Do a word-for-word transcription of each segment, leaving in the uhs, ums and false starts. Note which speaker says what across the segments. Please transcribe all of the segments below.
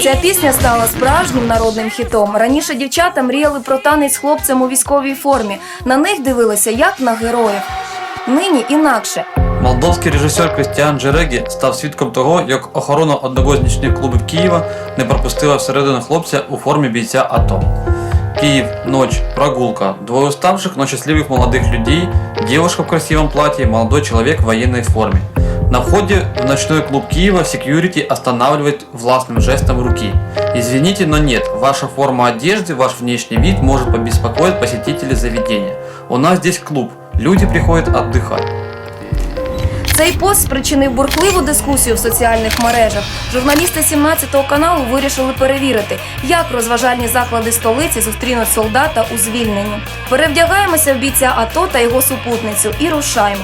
Speaker 1: Ця пісня стала справжнім народним хітом. Раніше дівчата мріяли про танець з хлопцем у військовій формі. На них дивилися як на героїв. Нині інакше.
Speaker 2: Молдовський режисер Крістіан Джерегі став свідком того, як охорона одного з нічних клубів Києва не пропустила всередину хлопця у формі бійця АТО. Киев, ночь, прогулка, двое уставших, но счастливых молодых людей, девушка в красивом платье, молодой человек в военной форме. На входе в ночной клуб Киева секьюрити останавливает властным жестом руки. Извините, но нет, ваша форма одежды, ваш внешний вид может побеспокоить посетителей заведения. У нас здесь клуб, люди приходят отдыхать.
Speaker 1: Цей пост спричинив бурхливу дискусію в соціальних мережах. Журналісти сімнадцятого каналу вирішили перевірити, як розважальні заклади столиці зустрінуть солдата у звільненні. Перевдягаємося в бійця АТО та його супутницю і рушаємо.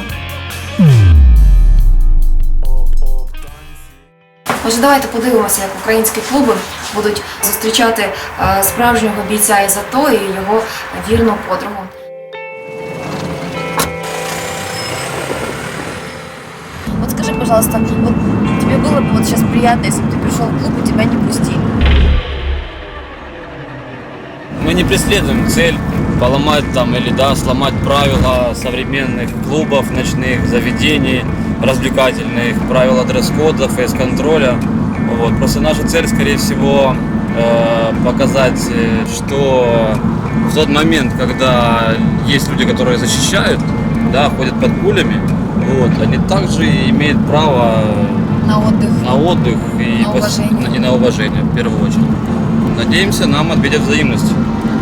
Speaker 1: Отже, давайте подивимося, як українські клуби будуть зустрічати е, справжнього бійця із АТО і його вірну подругу. Вот скажи, пожалуйста, вот тебе было бы вот сейчас приятно, если бы ты пришел в клуб и тебя не пустили?
Speaker 3: Мы не преследуем цель поломать там или да, сломать правила современных клубов, ночных заведений, развлекательных, правила дресс-кода, фейс-контроля. Вот. Просто наша цель, скорее всего, э, показать, что в тот момент, когда есть люди, которые защищают, да, ходят под пулями, вот, они также имеют право
Speaker 1: На отдых.
Speaker 3: на отдых и
Speaker 1: На уважение.
Speaker 3: пос... и на уважение, в первую очередь. Надеемся, нам ответят взаимностью.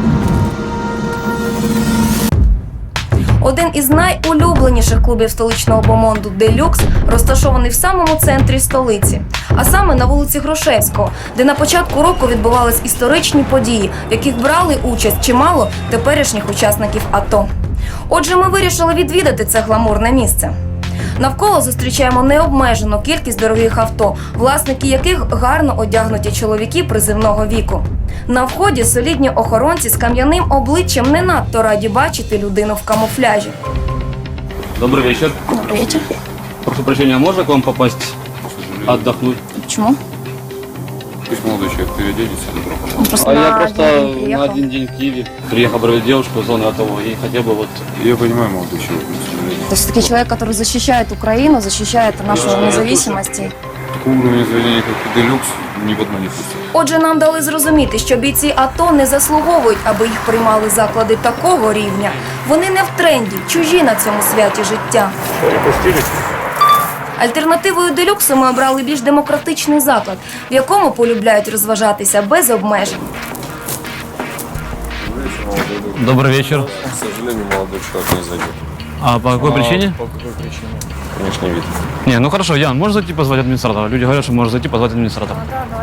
Speaker 1: Один із найулюбленіших клубів столичного бомонду «Делюкс» розташований в самому центрі столиці, а саме на вулиці Грушевського, де на початку року відбувались історичні події, в яких брали участь чимало теперішніх учасників АТО. Отже, ми вирішили відвідати це гламурне місце. Навколо зустрічаємо необмежену кількість дорогих авто, власники яких гарно одягнуті чоловіки призивного віку. На вході солідні охоронці з кам'яним обличчям не надто раді бачити людину в камуфляжі.
Speaker 3: Добрый вечер.
Speaker 1: Добрий вечір.
Speaker 3: Прошу прощения, можно к вам попасть отдохнуть?
Speaker 1: Чому?
Speaker 4: Пусть молодой человек переоденется.
Speaker 1: Просто
Speaker 3: А
Speaker 1: на
Speaker 3: я просто
Speaker 1: день приїхав.
Speaker 3: на один день в Киеве приехал проводить девушку в зону АТО и хотел бы вот...
Speaker 4: Я понимаю, молодой человек, но, к сожалению.
Speaker 1: То есть таки человек, который защищает Украину, защищает нашу
Speaker 3: Да,
Speaker 1: независимость.
Speaker 4: Такого уровня заведения, как Делюкс, ни в одно не пустят.
Speaker 1: Отже, нам дали зрозуміти, що бійці АТО не заслуговують, аби їх приймали заклади такого рівня. Вони не в тренді, чужі на цьому святі життя. Альтернативою «Делюксу» ми обрали більш демократичний заклад, в якому полюбляють розважатися без обмежень.
Speaker 3: Добрый вечер.
Speaker 4: К сожалению, молодой человек не зайдет.
Speaker 3: А по какой причине?
Speaker 4: По какой причине? Внешний вид.
Speaker 3: Не, ну хорошо, Ян, можешь зайти позвать администратора? Люди говорят, что можно зайти позвать администратора.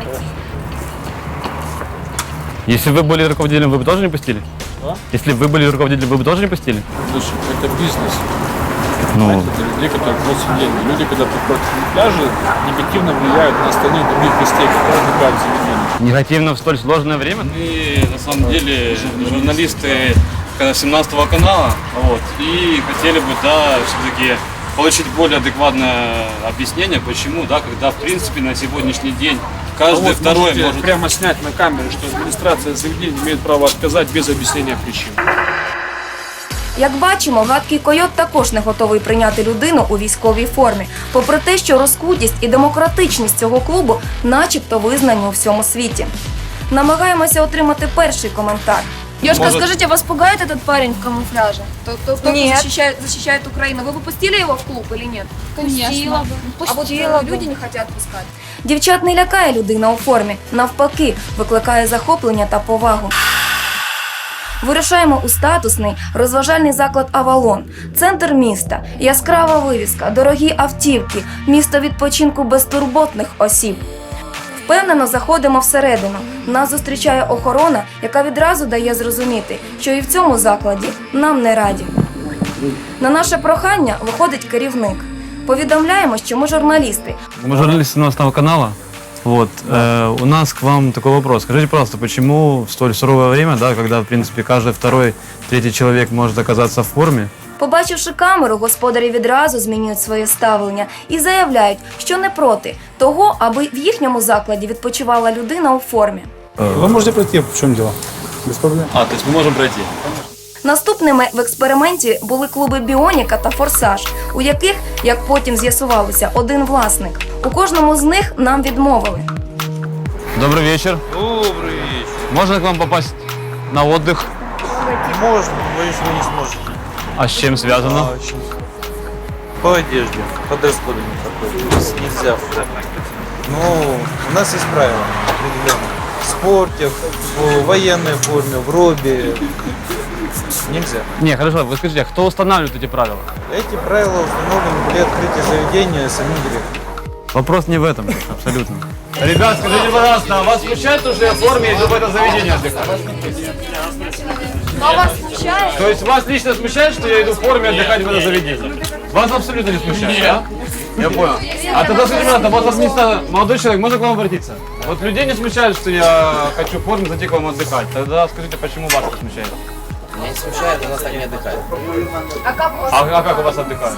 Speaker 3: Если вы были руководителем, вы бы тоже не пустили?
Speaker 5: А?
Speaker 3: Если бы вы были руководителем, вы бы тоже не пустили?
Speaker 5: Слушай, это бизнес.
Speaker 3: Ну,
Speaker 5: Знаете, это людей, которые просят деньги. Люди, когда приходят на пляжи, негативно влияют на остальных других гостей, которые отдыхают в заведении.
Speaker 3: негативно в столь сложное время? Мы, на самом деле, журналисты семнадцатого канала, вот, и хотели бы, да, все-таки получить более адекватное объяснение, почему, да, когда, в принципе, на сегодняшний день каждый
Speaker 5: А вот
Speaker 3: второй
Speaker 5: можете
Speaker 3: может...
Speaker 5: прямо снять на камеру, что администрация заведения имеет право отказать без объяснения причин.
Speaker 1: Як бачимо, гадкий койот також не готовий прийняти людину у військовій формі, попри те, що розкутість і демократичність цього клубу начебто визнані у всьому світі. Намагаємося отримати перший коментар. Девушка,
Speaker 3: Может-
Speaker 1: скажите, вас пугает этот парень в камуфляже? Тот, кто, кто
Speaker 6: Нет.
Speaker 1: защищает, защищает Украину. Вы бы пустили его в клуб или нет?
Speaker 6: Конечно.
Speaker 1: А вот
Speaker 6: Пустила
Speaker 1: э,
Speaker 6: бы.
Speaker 1: люди не хотят пускать. Дівчат не лякає людина у формі, навпаки, викликає захоплення та повагу. Вирушаємо у статусний розважальний заклад «Авалон». Центр міста, яскрава вивіска, дорогі автівки, місто відпочинку безтурботних осіб. Впевнено заходимо всередину. Нас зустрічає охорона, яка відразу дає зрозуміти, що і в цьому закладі нам не раді. На наше прохання виходить керівник. Повідомляємо, що ми журналісти.
Speaker 3: Мы журналисты семнадцатого канала. Вот, э, у нас к вам такой вопрос. Скажите, пожалуйста, почему в столь суровое время, да, когда, в принципе, каждый второй, третий человек может оказаться в форме,
Speaker 1: Побачивши камеру, господарі відразу змінюють своє ставлення і заявляють, що не проти того, аби в їхньому закладі відпочивала людина у формі.
Speaker 6: Вы можете пройти, в чем дело? Без проблем.
Speaker 3: А, то есть мы можем пройти?
Speaker 1: Наступними в експерименті були клуби «Біоніка» та «Форсаж», у яких, як потім з'ясувалося, один власник. У кожному з них нам відмовили.
Speaker 3: Добрый вечер.
Speaker 7: Добрый вечер.
Speaker 3: Можно к вам попасть на отдых?
Speaker 7: Можно, боюсь, вы не сможете.
Speaker 3: А с чем связано?
Speaker 7: А, очень. По одежде, по дресс-коду не проходит. Нельзя. Ну, у нас есть правила определенные. В спорте, в военной форме, в робе. Нельзя.
Speaker 3: Не, хорошо, вы скажите, а кто устанавливает эти правила?
Speaker 7: Эти правила установлены при открытии заведения самим директором.
Speaker 3: Вопрос не в этом, абсолютно. Ребят, скажите, пожалуйста, а вас смущает то, что я в форме иду в это заведение отдыхать?
Speaker 1: А вас смущає?
Speaker 3: То есть вас лично смущает, что я иду в форме отдыхать в это заведение? Вас абсолютно не смущает, да? Я понял. А тогда скажите, пожалуйста, вот администратор, молодой человек, можно к вам обратиться? Вот людей не смущает, что я хочу в форме зайти к вам отдыхать. Тогда скажите, почему вас это смущает?
Speaker 8: Меня не смущает, у нас так не отдыхает.
Speaker 1: А як у вас?
Speaker 3: А, а как у вас отдыхают?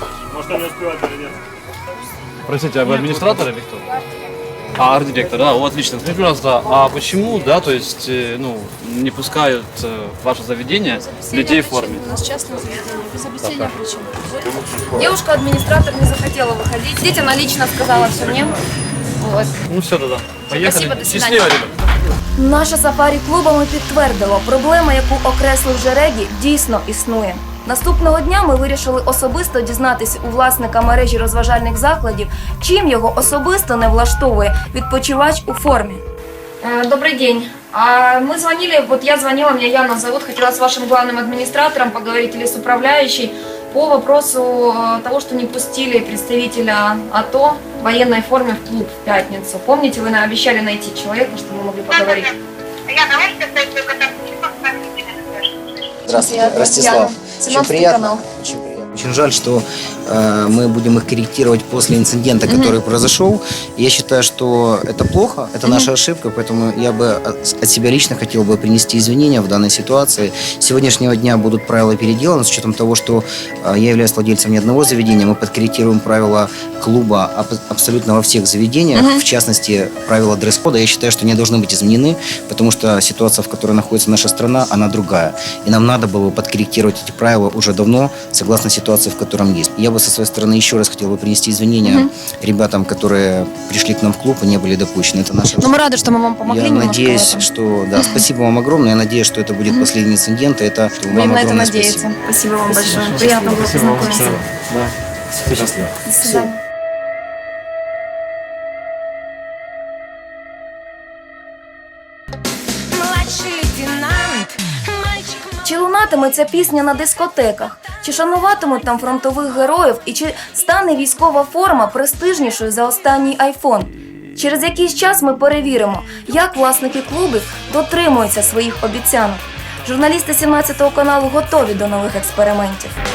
Speaker 3: Простите, а вы администратор или кто? А, арт-директор, да, о, отлично. Скажите, пожалуйста, а почему, да, то есть, э, ну, не пускают э, в ваше заведение людей в форме?
Speaker 9: У нас частное заведение, без объяснения причин.
Speaker 1: Девушка-администратор не захотела выходить. Здесь она лично сказала все мне. Вот.
Speaker 3: Ну все тогда, поехали.
Speaker 1: Спасибо, до свидания.
Speaker 3: Счастливо, ребят.
Speaker 1: Наше сафарі клубами підтвердило, проблема, яку окреслив Жерегі, дійсно існує. Наступного дня ми вирішили особисто дізнатися у власника мережі розважальних закладів, чим його особисто не влаштовує відпочивач у формі. Добрый день. А мы звонили, вот я звонила, меня Яна зовут, хотела с вашим главным администратором поговорить или с управляющей по вопросу э, того, что не пустили представителя АТО в военной форме в клуб в пятницу. Помните, вы нам обещали найти человека, чтобы мы могли поговорить?
Speaker 10: Я давайте создать свой контакт телефон, с вами свяжемся.
Speaker 8: Здравствуйте,
Speaker 1: Я
Speaker 8: Ростислав.
Speaker 1: Татьяна,
Speaker 8: Очень
Speaker 1: семнадцатый
Speaker 8: приятно.
Speaker 1: канал.
Speaker 8: Очень приятно. Очень жаль, что э, мы будем их корректировать после инцидента, который произошел. Я считаю, что это плохо, это наша ошибка, поэтому я бы от, от себя лично хотел бы принести извинения в данной ситуации. С сегодняшнего дня будут правила переделаны, с учетом того, что э, я являюсь владельцем не одного заведения, мы подкорректируем правила клуба аб- абсолютно во всех заведениях, в частности, правила дресс-кода, я считаю, что они должны быть изменены, потому что ситуация, в которой находится наша страна, она другая. И нам надо было бы подкорректировать эти правила уже давно, согласно ситуации, в котором есть. Я бы со своей стороны еще раз хотел бы принести извинения mm-hmm. ребятам, которые пришли к нам в клуб и не были допущены. Это наша
Speaker 1: Но мы рады, что мы вам помогли.
Speaker 8: Я надеюсь, что... Да, спасибо вам огромное. Я надеюсь, что это будет последний инцидент. И это вам
Speaker 1: Будем на это
Speaker 8: огромное
Speaker 1: надеяться.
Speaker 8: спасибо.
Speaker 1: Спасибо вам большое. Приятно было познакомиться. До свидания. Чи лунатиме ця пісня на дискотеках? Чи шануватимуть там фронтових героїв? І чи стане військова форма престижнішою за останній айфон? Через якийсь час ми перевіримо, як власники клубів дотримуються своїх обіцянок. Журналісти сімнадцятого каналу готові до нових експериментів.